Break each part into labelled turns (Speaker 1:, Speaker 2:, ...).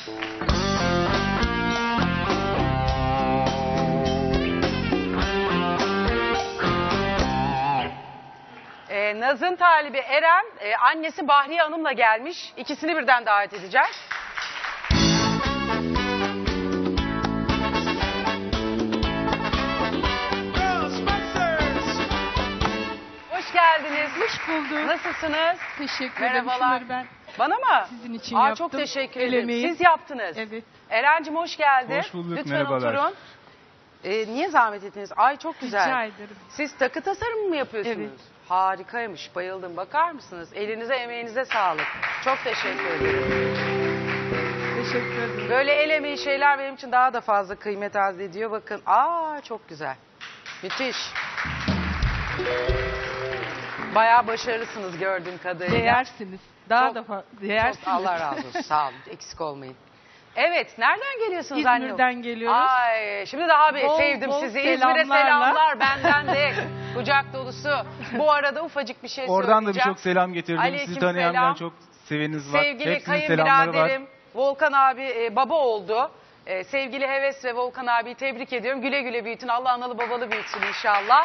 Speaker 1: Naz'ın talibi Eren, annesi Bahriye Hanım'la gelmiş. İkisini birden davet edeceğiz. Hoş geldiniz.
Speaker 2: Hoş bulduk.
Speaker 1: Nasılsınız?
Speaker 2: Teşekkür ederim.
Speaker 1: Merhabalar.
Speaker 2: Şunları ben
Speaker 1: Bana mı?
Speaker 2: sizin için yaptım.
Speaker 1: Çok teşekkür
Speaker 2: El
Speaker 1: ederim.
Speaker 2: emeği.
Speaker 1: Siz yaptınız.
Speaker 2: Evet.
Speaker 1: Eren'cim hoş geldin.
Speaker 3: Hoş bulduk,
Speaker 1: Lütfen
Speaker 3: merhabalar.
Speaker 1: oturun. Niye zahmet ettiniz? Ay çok güzel.
Speaker 2: Rica ederim.
Speaker 1: Siz takı tasarımı mı yapıyorsunuz?
Speaker 2: Evet.
Speaker 1: Harikaymış, bayıldım. Bakar mısınız? Elinize emeğinize sağlık. Çok teşekkür ederim.
Speaker 2: Teşekkür ederim.
Speaker 1: Böyle el emeği şeyler benim için daha da fazla kıymet arz ediyor. Bakın, çok güzel. Müthiş. Bayağı başarılısınız gördüğüm kadarıyla.
Speaker 2: Değersiniz. Daha
Speaker 1: Çok-
Speaker 2: da değersiniz.
Speaker 1: Çok Allah razı olsun. Sağ olun. Eksik olmayın. Evet, nereden geliyorsunuz anne?
Speaker 2: İzmir'den geliyoruz.
Speaker 1: Ay, şimdi daha bir
Speaker 2: Bol
Speaker 1: sevdim
Speaker 2: bol
Speaker 1: sizi. İzmir'e
Speaker 2: selamlarla.
Speaker 1: selamlar benden de. Kucak dolusu. Bu arada ufacık bir şey
Speaker 3: Oradan da
Speaker 1: söyleyeceğim.
Speaker 3: birçok selam getirdim.
Speaker 1: Aleyküm
Speaker 3: Sizi tanıyanlar
Speaker 1: selam.
Speaker 3: çok seveniniz var.
Speaker 1: Sevgili
Speaker 3: Hepsinin selamları var.
Speaker 1: kayınbiraderim Volkan abi baba oldu. Sevgili Heves ve Volkan abiyi tebrik ediyorum. Güle güle büyütün. Allah analı babalı büyütsün inşallah.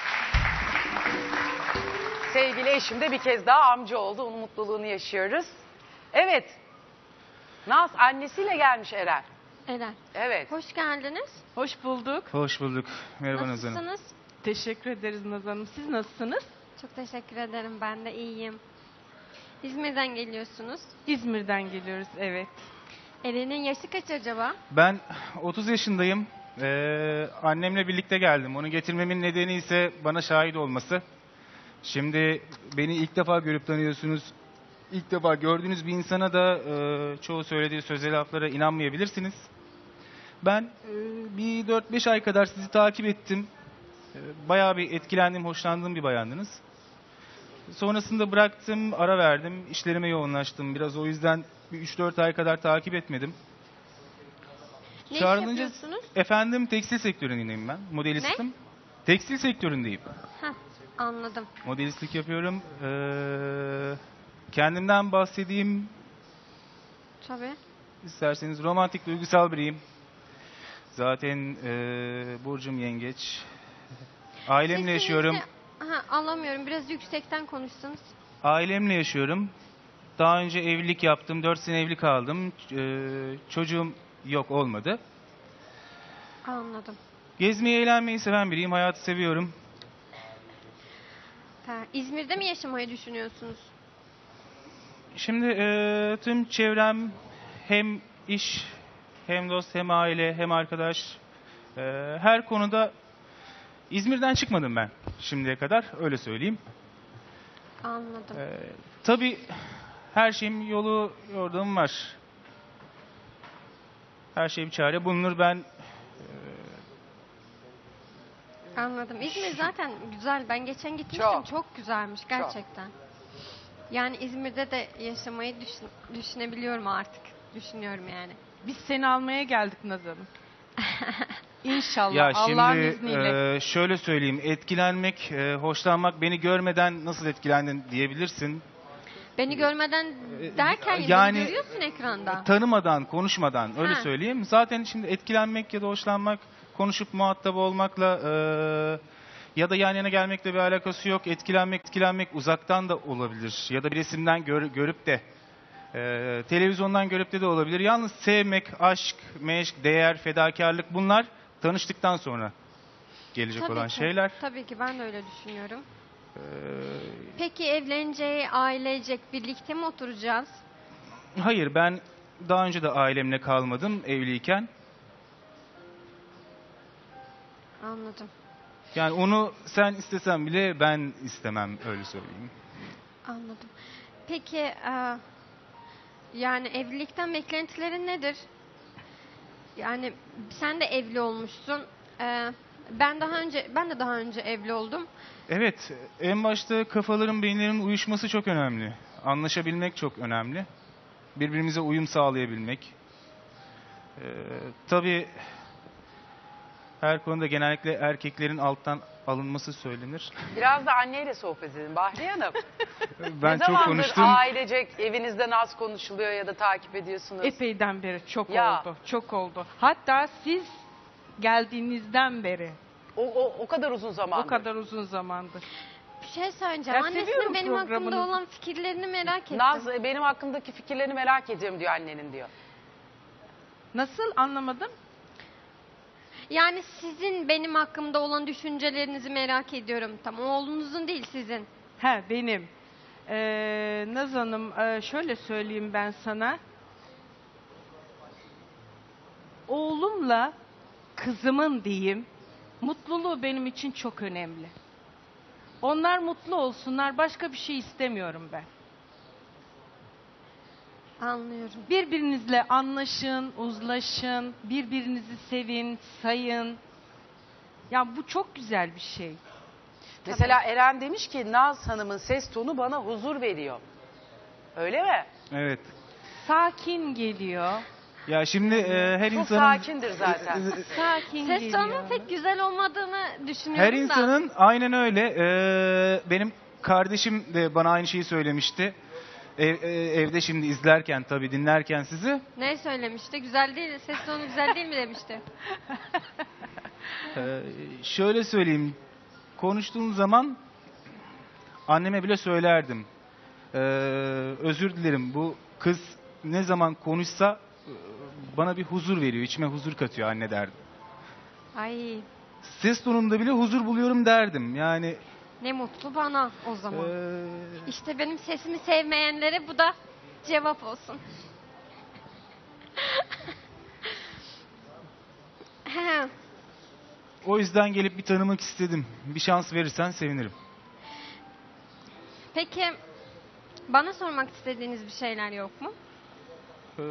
Speaker 1: Sevgili eşim de bir kez daha amca oldu. Onun mutluluğunu yaşıyoruz. Evet. Naz annesiyle gelmiş Eren.
Speaker 4: Eren.
Speaker 1: Evet.
Speaker 4: Hoş geldiniz.
Speaker 2: Hoş bulduk.
Speaker 3: Hoş bulduk. Merhaba Nazan Hanım.
Speaker 4: Nasılsınız?
Speaker 2: Teşekkür ederiz Nazan Hanım. Siz nasılsınız?
Speaker 4: Çok teşekkür ederim. Ben de iyiyim. İzmir'den geliyorsunuz.
Speaker 2: İzmir'den geliyoruz, evet.
Speaker 4: Eren'in yaşı kaç acaba?
Speaker 3: Ben 30 yaşındayım. Annemle birlikte geldim. Onu getirmemin nedeni ise bana şahit olması. Şimdi beni ilk defa görüp tanıyorsunuz. İlk defa gördüğünüz bir insana da çoğu söylediği sözel laflara inanmayabilirsiniz. Ben bir 4-5 ay kadar sizi takip ettim. Bayağı bir etkilendim, hoşlandığım bir bayandınız. Sonrasında bıraktım, ara verdim. İşlerime yoğunlaştım. Biraz o yüzden bir 3-4 ay kadar takip etmedim.
Speaker 4: Ne iş
Speaker 3: Çağrılınca-
Speaker 4: yapıyorsunuz?
Speaker 3: Efendim tekstil sektöründeyim ben. Modelistim. Tekstil sektöründeyim.
Speaker 4: Heh, anladım.
Speaker 3: Modelistlik yapıyorum. Kendimden bahsedeyim.
Speaker 4: Tabii.
Speaker 3: İsterseniz romantik, duygusal biriyim. Zaten burcum yengeç. Ailemle
Speaker 4: Sesinizi-
Speaker 3: yaşıyorum.
Speaker 4: Anlamıyorum. Biraz yüksekten konuşsanız.
Speaker 3: Ailemle yaşıyorum. Daha önce evlilik yaptım. 4 sene evli kaldım. Çocuğum yok, olmadı.
Speaker 4: Anladım.
Speaker 3: Gezmeyi, eğlenmeyi seven biriyim. Hayatı seviyorum.
Speaker 4: İzmir'de mi yaşamayı düşünüyorsunuz?
Speaker 3: Şimdi tüm çevrem hem iş, hem dost, hem aile, hem arkadaş. Her konuda İzmir'den çıkmadım ben şimdiye kadar. Öyle söyleyeyim.
Speaker 4: Anladım.
Speaker 3: Tabii her şeyin yolu, yordamı var. Her şey bir çare bulunur. Ben
Speaker 4: Anladım. İzmir zaten güzel. Ben geçen gitmiştim.
Speaker 1: Çok.
Speaker 4: Çok güzelmiş gerçekten. Yani İzmir'de de yaşamayı düşünebiliyorum artık. Düşünüyorum yani.
Speaker 2: Biz seni almaya geldik Nazan Hanım. İnşallah
Speaker 3: ya
Speaker 2: Allah'ın
Speaker 3: şimdi
Speaker 2: izniyle.
Speaker 3: şöyle söyleyeyim. Etkilenmek, hoşlanmak, beni görmeden nasıl etkilendin diyebilirsin.
Speaker 4: Beni görmeden derken
Speaker 3: yani-
Speaker 4: beni görüyorsun ekranda.
Speaker 3: Tanımadan, konuşmadan öyle
Speaker 4: Ha.
Speaker 3: söyleyeyim. Zaten şimdi etkilenmek ya da hoşlanmak, konuşup muhatap olmakla ya da yan yana gelmekle bir alakası yok. Etkilenmek uzaktan da olabilir. Ya da bir resimden görüp de televizyondan görüp de olabilir. Yalnız sevmek, aşk, meşk, değer, fedakarlık, bunlar tanıştıktan sonra gelecek
Speaker 4: Tabii
Speaker 3: olan
Speaker 4: ki.
Speaker 3: şeyler.
Speaker 4: Tabii ki ben de öyle düşünüyorum.
Speaker 3: Ee,
Speaker 4: Peki evlenince ailecek birlikte mi oturacağız?
Speaker 3: Hayır, ben daha önce de ailemle kalmadım evliyken.
Speaker 4: Anladım.
Speaker 3: Yani onu sen istesen bile ben istemem, öyle söyleyeyim.
Speaker 4: Anladım. Peki yani evlilikten beklentilerin nedir? Yani sen de evli olmuşsun. Ben de daha önce evli oldum.
Speaker 3: Evet, en başta kafaların, beyinlerin uyuşması çok önemli. Anlaşabilmek çok önemli. Birbirimize uyum sağlayabilmek. Tabii her konuda genellikle erkeklerin alttan alınması söylenir.
Speaker 1: Biraz da anneyle sohbet edin Bahriye Hanım.
Speaker 3: Ben
Speaker 1: Ne
Speaker 3: çok
Speaker 1: zamandır
Speaker 3: konuştum.
Speaker 1: ailecek evinizde naz konuşuluyor ya da takip ediyorsunuz?
Speaker 2: Epeyden beri çok
Speaker 1: Ya.
Speaker 2: oldu. Çok oldu. Hatta siz geldiğinizden beri.
Speaker 1: O kadar uzun zamandır.
Speaker 2: O kadar uzun zamandır.
Speaker 4: Bir şey söyleyeceğim.
Speaker 2: Ben seviyorum
Speaker 4: Annesinin benim hakkımda
Speaker 2: programınızı.
Speaker 4: olan fikirlerini merak ettim.
Speaker 1: Naz benim hakkındaki fikirlerini merak ediyorum diyor annenin diyor.
Speaker 2: Nasıl anlamadım?
Speaker 4: Yani sizin benim hakkımda olan düşüncelerinizi merak ediyorum. Tam oğlunuzun değil, sizin.
Speaker 2: He benim. Naz Hanım şöyle söyleyeyim ben sana. Oğlumla kızımın diyeyim mutluluğu benim için çok önemli. Onlar mutlu olsunlar, başka bir şey istemiyorum ben.
Speaker 4: Anlıyorum.
Speaker 2: Birbirinizle anlaşın, uzlaşın, birbirinizi sevin, sayın. Ya bu çok güzel bir şey.
Speaker 1: Mesela Eren demiş ki Naz Hanım'ın ses tonu bana huzur veriyor. Öyle mi?
Speaker 3: Evet.
Speaker 2: Sakin geliyor.
Speaker 3: Ya şimdi her
Speaker 1: Çok
Speaker 3: insanın
Speaker 1: sakindir zaten.
Speaker 2: Sakin
Speaker 4: Ses
Speaker 2: geliyor.
Speaker 4: tonunun pek güzel olmadığını düşünüyorum
Speaker 3: her
Speaker 4: da.
Speaker 3: insanın aynen öyle. Benim kardeşim de bana aynı şeyi söylemişti. Evde şimdi izlerken tabii dinlerken sizi.
Speaker 4: Ne söylemişti? Güzel değil, ses tonu güzel değil mi demişti.
Speaker 3: Şöyle söyleyeyim. Konuştuğum zaman anneme bile söylerdim. Özür dilerim, bu kız ne zaman konuşsa bana bir huzur veriyor. İçime huzur katıyor anne derdim.
Speaker 4: Ay,
Speaker 3: Ses tonunda bile huzur buluyorum derdim. Yani
Speaker 4: ne mutlu bana o zaman.
Speaker 3: eee,
Speaker 4: İşte benim sesimi sevmeyenlere bu da cevap olsun.
Speaker 3: o yüzden gelip bir tanımak istedim. Bir şans verirsen sevinirim.
Speaker 4: Peki bana sormak istediğiniz bir şeyler yok mu?
Speaker 3: Eee,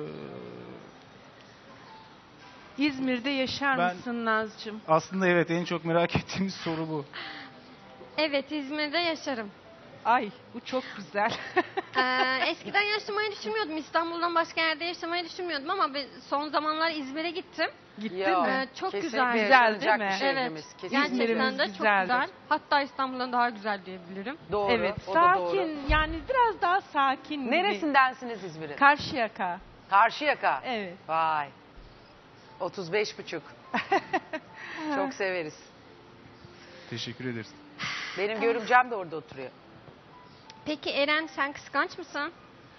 Speaker 2: İzmir'de yaşar
Speaker 3: Ben-
Speaker 2: mısın Nazcığım?
Speaker 3: aslında evet, en çok merak ettiğimiz soru bu.
Speaker 4: Evet, İzmir'de yaşarım.
Speaker 2: Ay bu çok güzel.
Speaker 4: Eskiden yaşamayı düşünmüyordum. İstanbul'dan başka yerde yaşamayı düşünmüyordum ama son zamanlar İzmir'e gittim.
Speaker 2: Gittin
Speaker 1: Ya,
Speaker 2: mi?
Speaker 4: Çok
Speaker 1: kesinlikle
Speaker 4: güzel.
Speaker 2: Güzel
Speaker 1: yaşanacak
Speaker 2: değil mi?
Speaker 1: bir şehrimiz.
Speaker 4: Evet,
Speaker 1: Kesinlikle.
Speaker 4: gerçekten
Speaker 2: İzmir'imiz
Speaker 4: de çok
Speaker 2: güzeldir.
Speaker 4: güzel. Hatta İstanbul'dan daha güzel diyebilirim.
Speaker 1: Doğru.
Speaker 2: Evet,
Speaker 1: O da doğru.
Speaker 2: sakin. Yani biraz daha sakin. gibi.
Speaker 1: Neresindensiniz İzmir'in?
Speaker 2: Karşıyaka.
Speaker 1: Karşıyaka.
Speaker 2: Evet.
Speaker 1: Vay. 35,5. Çok severiz.
Speaker 3: Teşekkür ederiz.
Speaker 1: Benim görümcem de orada oturuyor.
Speaker 4: Peki Eren, sen kıskanç mısın?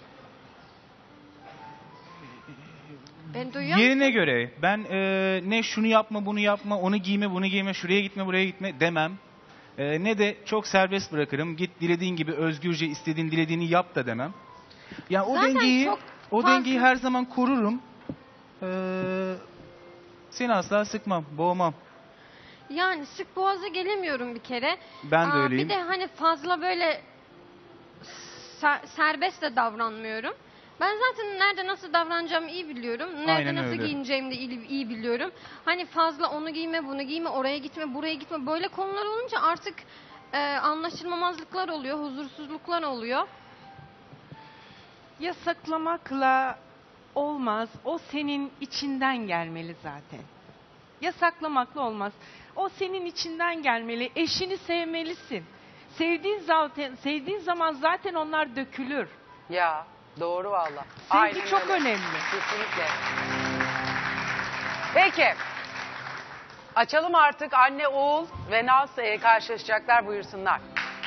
Speaker 4: Ben duyuyor
Speaker 3: Yerine
Speaker 4: musun?
Speaker 3: göre ben ne şunu yapma bunu yapma, onu giyme bunu giyme, şuraya gitme buraya gitme demem. Ne de çok serbest bırakırım. Git dilediğin gibi özgürce istediğin dilediğini yap da demem. Yani o
Speaker 4: Zaten
Speaker 3: dengeyi
Speaker 4: çok
Speaker 3: o
Speaker 4: fazla-
Speaker 3: dengeyi her zaman korurum. Seni asla sıkmam, boğmam.
Speaker 4: Yani sık boğaza gelemiyorum bir kere.
Speaker 3: Ben de öyleyim.
Speaker 4: Bir de hani fazla böyle serbest de davranmıyorum. Ben zaten nerede nasıl davranacağımı iyi biliyorum. Nerede
Speaker 3: Aynen
Speaker 4: nasıl
Speaker 3: öyle.
Speaker 4: giyineceğimi de iyi biliyorum. Hani fazla onu giyme, bunu giyme, oraya gitme, buraya gitme. Böyle konular olunca artık anlaşılmamazlıklar oluyor, huzursuzluklar oluyor.
Speaker 2: Yasaklamakla olmaz. O senin içinden gelmeli zaten. Yasaklamakla olmaz. O senin içinden gelmeli. Eşini sevmelisin. Sevdiğin zaman zaten onlar dökülür.
Speaker 1: Ya doğru valla.
Speaker 2: Sevgi
Speaker 1: Aynen
Speaker 2: çok
Speaker 1: öyle.
Speaker 2: önemli.
Speaker 1: Kesinlikle. Peki. Açalım artık, anne oğul ve Naz karşılaşacaklar, buyursunlar.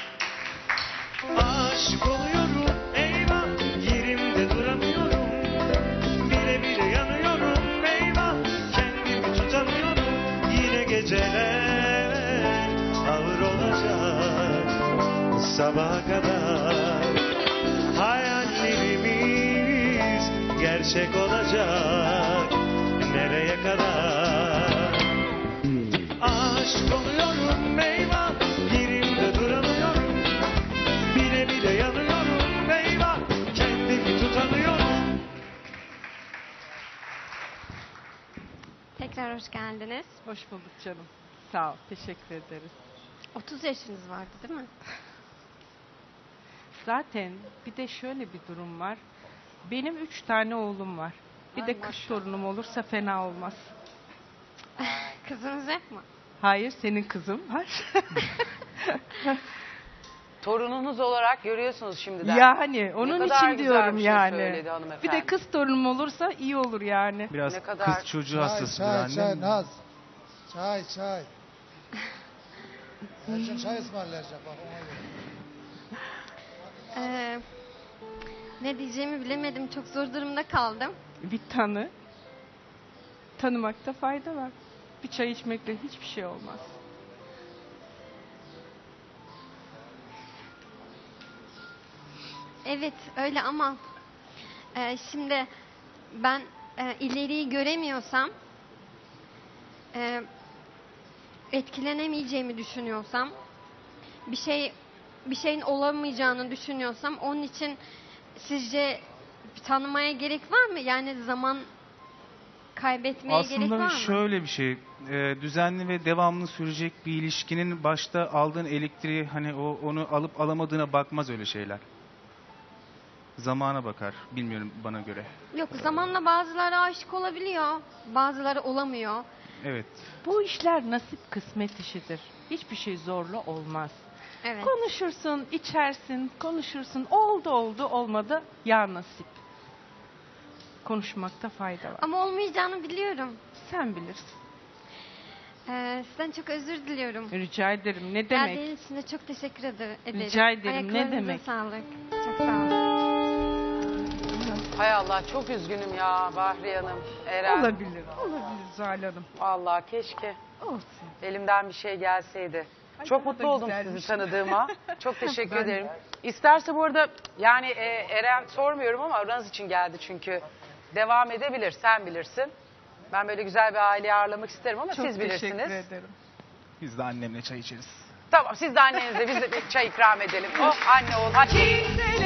Speaker 5: Aşık oluyorum, eyvah, yerimde duramıyorum. Bile bile yanıyorum, eyvah, kendimi tutamıyorum. Yine geceler ağır olacak sabaha kadar. Hayallerimiz gerçek olacak, nereye kadar? Aşık oluyorum, eyvah, yerimde duramıyorum. Bile bile yanıyorum, eyvah, kendimi tutamıyorum.
Speaker 4: Tekrar hoş geldiniz.
Speaker 2: Hoş bulduk canım. Sağ ol. Teşekkür ederiz.
Speaker 4: 30 yaşınız vardı değil mi?
Speaker 2: Zaten bir de şöyle bir durum var. Benim 3 tane oğlum var. Bir
Speaker 4: Ay
Speaker 2: de kız
Speaker 4: maşallah.
Speaker 2: torunum olursa fena olmaz.
Speaker 4: Kızınız yok mu?
Speaker 2: Hayır, senin kızın var.
Speaker 1: Torununuz olarak görüyorsunuz şimdiden.
Speaker 2: Yani onun
Speaker 1: kadar
Speaker 2: için
Speaker 1: güzel
Speaker 2: diyorum
Speaker 1: bir şey
Speaker 2: yani.
Speaker 1: söyledi hanımefendi.
Speaker 2: Bir de kız torunum olursa iyi olur yani.
Speaker 3: Biraz
Speaker 1: Ne kadar-
Speaker 3: kız çocuğu
Speaker 6: Çay,
Speaker 3: hastasıdır
Speaker 6: çay,
Speaker 3: annem.
Speaker 6: çay, Naz. Çay, çay. Ercan çay ısmarlayacak bak ona göre.
Speaker 4: Ne diyeceğimi bilemedim. Çok zor durumda kaldım.
Speaker 2: Bir tanı. Tanımakta fayda var. Bir çay içmekle hiçbir şey olmaz.
Speaker 4: Evet öyle ama şimdi ben ileriyi göremiyorsam, etkilenemeyeceğimi düşünüyorsam, bir şeyin olamayacağını düşünüyorsam, onun için sizce tanımaya gerek var mı? Yani zaman kaybetmeye gerek var
Speaker 3: Aslında
Speaker 4: mı?
Speaker 3: şöyle bir şey, düzenli ve devamlı sürecek bir ilişkinin başta aldığın elektriği hani onu alıp alamadığına bakmaz öyle şeyler. Zamana bakar, bilmiyorum bana göre.
Speaker 4: Yok, zamanla bazıları aşık olabiliyor, bazıları olamıyor.
Speaker 3: Evet.
Speaker 2: Bu işler nasip kısmet işidir. Hiçbir şey zorla olmaz.
Speaker 4: Evet.
Speaker 2: Konuşursun, içersin, konuşursun. Oldu, olmadı. Ya nasip. Konuşmakta fayda var.
Speaker 4: Ama olmayacağını biliyorum.
Speaker 2: Sen bilirsin.
Speaker 4: Sizden çok özür diliyorum.
Speaker 2: Rica ederim. Ne demek?
Speaker 4: Geldiğiniz için de çok teşekkür ederim.
Speaker 2: Rica ederim, ne
Speaker 4: Ayaklarınıza
Speaker 2: demek?
Speaker 4: sağlık. Çok sağ olun.
Speaker 1: Hay Allah çok üzgünüm ya Bahriye Hanım. Eren.
Speaker 2: Olabilir Zuhal Hanım.
Speaker 1: Vallahi keşke
Speaker 2: Olsun.
Speaker 1: elimden bir şey gelseydi.
Speaker 2: Ay,
Speaker 1: Çok
Speaker 2: daha da
Speaker 1: mutlu oldum
Speaker 2: güzelmiş.
Speaker 1: sizi tanıdığıma. Çok teşekkür
Speaker 2: Ben
Speaker 1: ederim. İsterse bu arada yani Eren sormuyorum ama aranız için geldi çünkü. Devam edebilir, sen bilirsin. Ben böyle güzel bir aileyi ağırlamak isterim ama
Speaker 2: Çok
Speaker 1: siz bilirsiniz.
Speaker 2: teşekkür ederim.
Speaker 3: Biz de annemle çay içeriz.
Speaker 1: Tamam siz de annenize biz de bir çay ikram edelim. Oh anne oğul. Hadi.